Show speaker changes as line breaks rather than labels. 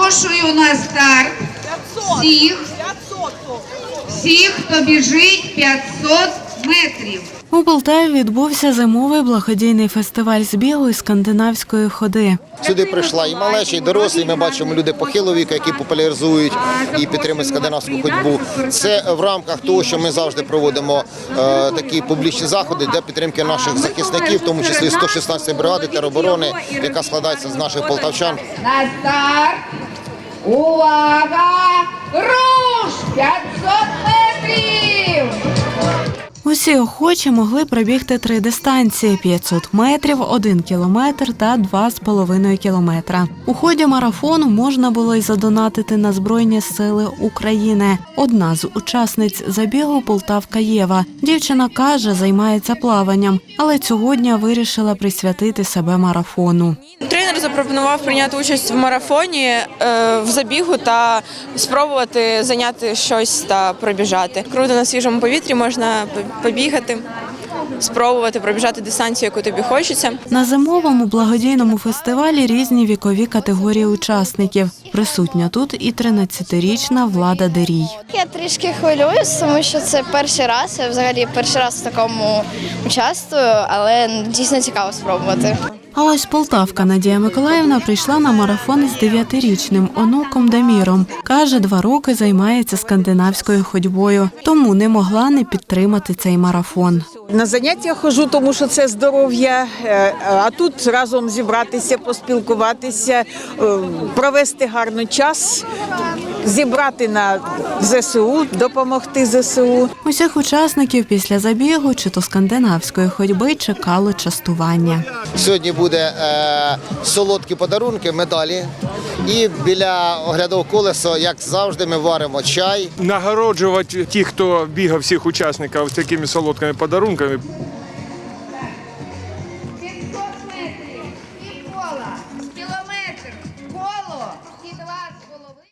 Запрошую на старт всіх, хто біжить 500 метрів.
У Полтаві відбувся зимовий благодійний фестиваль з бігу і скандинавської ходи.
Сюди прийшла і малечі, і дорослі. Ми бачимо люди похилого віку, які популяризують і підтримують скандинавську ходьбу. Це в рамках того, що ми завжди проводимо такі публічні заходи для підтримки наших захисників, в тому числі 116-ї бригади тероборони, яка складається з наших полтавчан.
На старт! Увага! Руш! 500 метрів!
Усі охочі могли пробігти 3 дистанції – 500 метрів, 1 кілометр та 2,5 кілометра. У ході марафону можна було й задонатити на Збройні сили України. Одна з учасниць забігу – полтавка Єва. Дівчина каже, займається плаванням, але цього дня вирішила присвятити себе марафону.
Тренер запропонував прийняти участь в марафоні, в забігу та спробувати зайняти щось та пробіжати. Круто, на свіжому повітрі можна побігати, спробувати пробіжати дистанцію, яку тобі хочеться.
На зимовому благодійному фестивалі різні вікові категорії учасників. Присутня тут і 13-річна Влада Дерій.
Я трішки хвилююсь, тому що це перший раз. Я взагалі перший раз в такому участвую, але дійсно цікаво спробувати.
А ось полтавка Надія Миколаївна прийшла на марафон з 9-річним онуком Даміром. Каже, 2 роки займається скандинавською ходьбою, тому не могла не підтримати цей марафон.
На заняття ходжу, тому що це здоров'я, а тут разом зібратися, поспілкуватися, провести гарний час, зібрати на ЗСУ, допомогти ЗСУ.
Усіх учасників після забігу чи то скандинавської ходьби чекало частування.
Сьогодні буде солодкі подарунки, медалі. І біля оглядового колеса, як завжди, ми варимо чай.
Нагороджувати тих, хто бігав, всіх учасників такими солодкими подарунками.